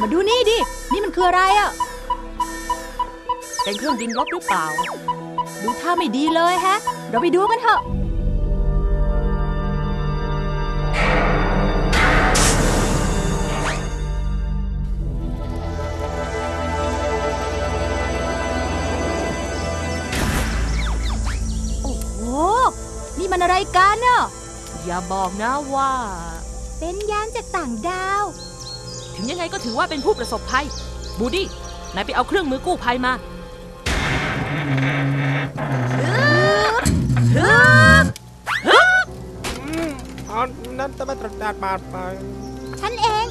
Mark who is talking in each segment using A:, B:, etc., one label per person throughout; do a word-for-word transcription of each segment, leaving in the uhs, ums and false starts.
A: มาดูนี่ดินี่มันคืออะไรอ่ะ
B: เป็นเครื่องบินรบหรือเปล่า
A: ดูท่าไม่ดีเลยแฮะเราไปดูกันเถอะโอ้โหนี่มันอะไรกันเนาะ
B: อย่าบอกนะว่า
A: เป็นยานจากต่างดาว
B: ถึงยังไงก็ถือว่าเป็นผู้ประสบภัยบูดี้นายไปเอาเครื่องมือกู้ภัยมา
C: อ๋อนั่นจะมาตรดาดบาดไป
A: ฉันเอง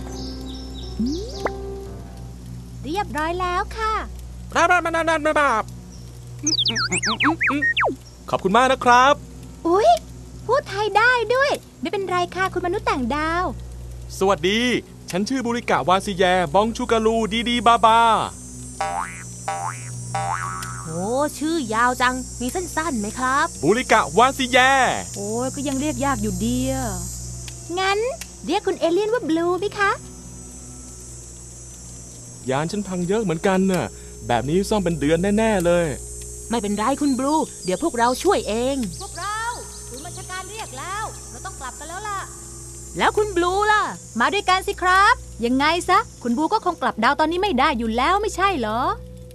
A: เรียบร้อยแล้วค่ะ
C: ราบาบาบาบาบขอบคุณมากนะครับ
A: อุ๊ยพูดไทยได้ด้วยไม่เป็นไรค่ะคุณมนุษย์ต่างดาว
C: สวัสดีฉันชื่อบุริกะวาซิแยบองชูกาลูดีดีบาบา
B: โอ้ชื่อยาวจังมีสั้นๆไหมครับ
C: บุริกะวาซิแย
A: โอ้ยก็ยังเรียกยากอยู่ดีอ่ะงั้นเรียกคุณเอเลี่ยนว่าบลูไหมคะ
C: ยานฉันพังเยอะเหมือนกันน่ะแบบนี้ซ่อมเป็นเดือนแน่ๆเลย
B: ไม่เป็นไรคุณบลูเดี๋ยวพวกเราช่วยเอง
A: พวกเราคุณบัญชาการเรียกแล้วเราต้องกลับกันแล้วล่ะ
B: แล้วคุณบลูล่ะ
A: มาด้วยกันสิครับยังไงซะคุณบลูก็คงกลับดาวตอนนี้ไม่ได้อยู่แล้วไม่ใช่เหรอ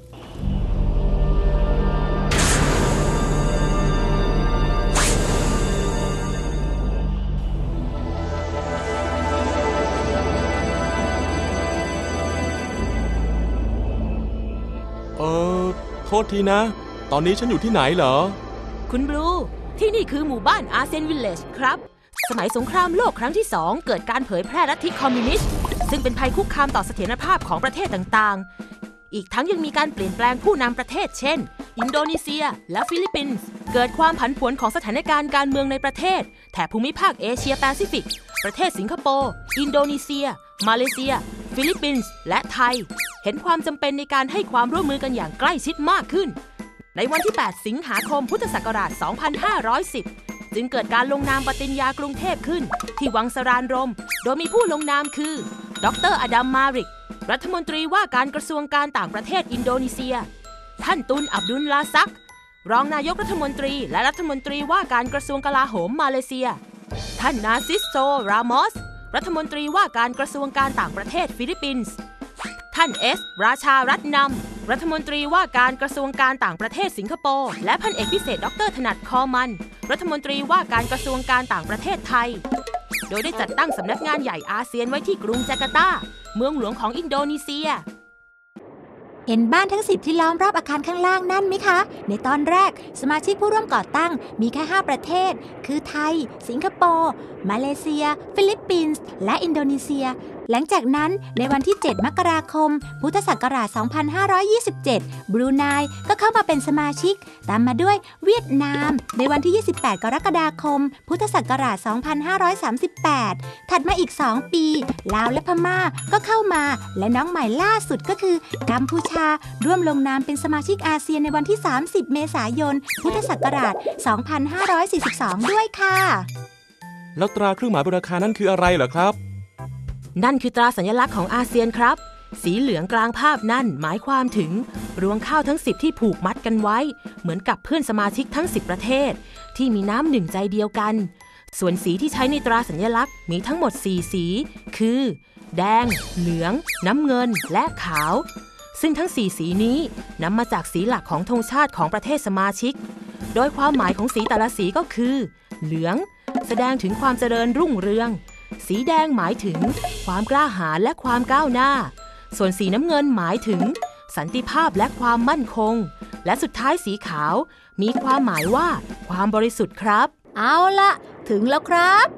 C: เออโทษทีนะตอนนี้ฉันอยู่ที่ไหนเหรอ
B: คุณบลูที่นี่คือหมู่บ้านอาร์เซนวิลเลจครับสมัยสงครามโลกครั้งที่สองเกิดการเผยแพร่ลัทธิคอมมิวนิสต์ซึ่งเป็นภัยคุกคามต่อเสถียรภาพของประเทศต่างๆอีกทั้งยังมีการเปลี่ยนแปลงผู้นำประเทศเช่นอินโดนีเซียและฟิลิปปินส์เกิดความผันผวนของสถานการณ์การเมืองในประเทศแถบภูมิภาคเอเชียแปซิฟิกประเทศสิงคโปร์อินโดนีเซียมาเลเซียฟิลิปปินส์และไทยเห็นความจำเป็นในการให้ความร่วมมือกันอย่างใกล้ชิดมากขึ้นในวันที่แปดสิงหาคมพุทธศักราชสองพันห้าร้อยสิบจึงเกิดการลงนามปฏิญญากรุงเทพขึ้นที่วังสรานรมโดยมีผู้ลงนามคือดร.อดัม มาริกรัฐมนตรีว่าการกระทรวงการต่างประเทศอินโดนีเซียท่านตุนอับดุลลาซักรองนายกรัฐมนตรีและรัฐมนตรีว่าการกระทรวงกลาโหมมาเลเซียท่านนาซิสโซ รามอสรัฐมนตรีว่าการกระทรวงการต่างประเทศฟิลิปปินส์ท่านเอสราชารัตนำรัฐมนตรีว่าการกระทรวงการต่างประเทศสิงคโปร์และพันเอกพิเศษดร.ถนัดคอมันรัฐมนตรีว่าการกระทรวงการต่างประเทศไทยโดยได้จัดตั้งสำนักงานใหญ่อาเซียนไว้ที่กรุงจาการ์ตาเมืองหลวงของอินโดนีเซีย
A: เห็นบ้านทั้งสิบที่ล้อมรอบอาคารข้างล่างนั่นไหมคะในตอนแรกสมาชิกผู้ร่วมก่อตั้งมีแค่ห้าประเทศคือไทยสิงคโปร์มาเลเซียฟิลิปปินส์และอินโดนีเซียหลังจากนั้นในวันที่เจ็ดมกราคมพุทธศักราชสองพันห้าร้อยยี่สิบเจ็ดบรูไนก็เข้ามาเป็นสมาชิกตามมาด้วยเวียดนามในวันที่ยี่สิบแปดกรกฎาคมพุทธศักราชสองพันห้าร้อยสามสิบแปดถัดมาอีกสองปีลาวและพม่าก็เข้ามาและน้องใหม่ล่าสุดก็คือกัมพูชาร่วมลงนามเป็นสมาชิกอาเซียนในวันที่สามสิบเมษายนพุทธศักราชสองพันห้าร้อยสี่สิบสองด้วยค่ะ
C: แล้วตราเครื่องหมายบนอาคารนั่นคืออะไรเหรอครับ
B: นั่นคือตราสัญลักษณ์ของอาเซียนครับสีเหลืองกลางภาพนั่นหมายความถึงรวงข้าวทั้งสิบที่ผูกมัดกันไว้เหมือนกับเพื่อนสมาชิกทั้งสิบประเทศที่มีน้ำหนึ่งใจเดียวกันส่วนสีที่ใช้ในตราสัญลักษณ์มีทั้งหมดสี่สีคือแดงเหลืองน้ำเงินและขาวซึ่งทั้งสี่สีนี้นำมาจากสีหลักของธงชาติของประเทศสมาชิกโดยความหมายของสีแต่ละสีก็คือเหลืองแสดงถึงความเจริญรุ่งเรืองสีแดงหมายถึงความกล้าหาญและความก้าวหน้าส่วนสีน้ำเงินหมายถึงสันติภาพและความมั่นคงและสุดท้ายสีขาวมีความหมายว่าความบริสุทธิ์ครับ
A: เอาละถึงแล้วครับ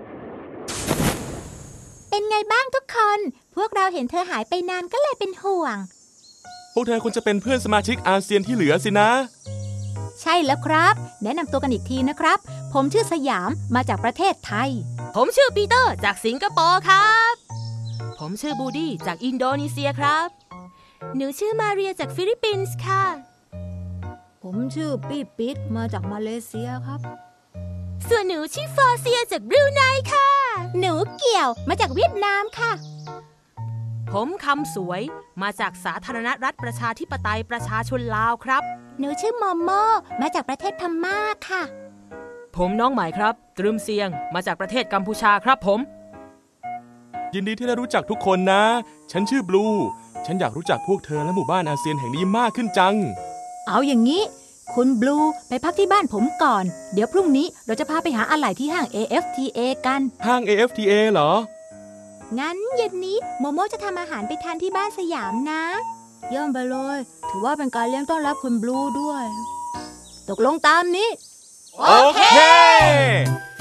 A: เป็นไงบ้างทุกคนพวกเราเห็นเธอหายไปนานก็เลยเป็นห่วง
C: พวกเธอควรจะเป็นเพื่อนสมาชิกอาเซียนที่เหลือสินะ
A: ใช่แล้วครับแนะนำตัวกันอีกทีนะครับผมชื่อสยามมาจากประเทศไทย
B: ผมชื่อปีเตอร์จากสิงคโปร์ครับผมชื่อบูดี้จากอินโดนีเซียครับหนูชื่อมาเรียจากฟิลิปปินส์ค่ะ
A: ผมชื่อปี้ปิ๊ดมาจากมาเลเซียครับ
B: ส่วนหนูชื่อฟอร์เซียจากบรูไนค่ะ
A: หนูเกี่ยวมาจากเวียดนามค่ะ
B: ผมคำสวยมาจากสาธารณรัฐประชาธิปไตยประชาชนลาวครับ
A: หนูชื่อโมโมมาจากประเทศพม่าค่ะ
B: ผมน้องใหม่ครับตรึมเซียงมาจากประเทศกัมพูชาครับผม
C: ยินดีที่ได้รู้จักทุกคนนะ ฉันชื่อบลู ฉันอยากรู้จักพวกเธอและหมู่บ้านอาเซียนแห่งนี้มากขึ้นจัง
A: เอาอย่างนี้คุณบลูไปพักที่บ้านผมก่อน เดี๋ยวพรุ่งนี้เราจะพาไปหาอะไหล่ที่ห้าง เอ เอฟ ที เอ กัน
C: ห้าง เอ เอฟ ที เอ เหรอ
A: งั้นเย็นนี้โมโมจะทำอาหารไปทานที่บ้านสยามนะเยี่ยมไปเลยถือว่าเป็นการเลี้ยงต้อนรับคุณบลูด้วย ตกลงตามนี้
C: โอเค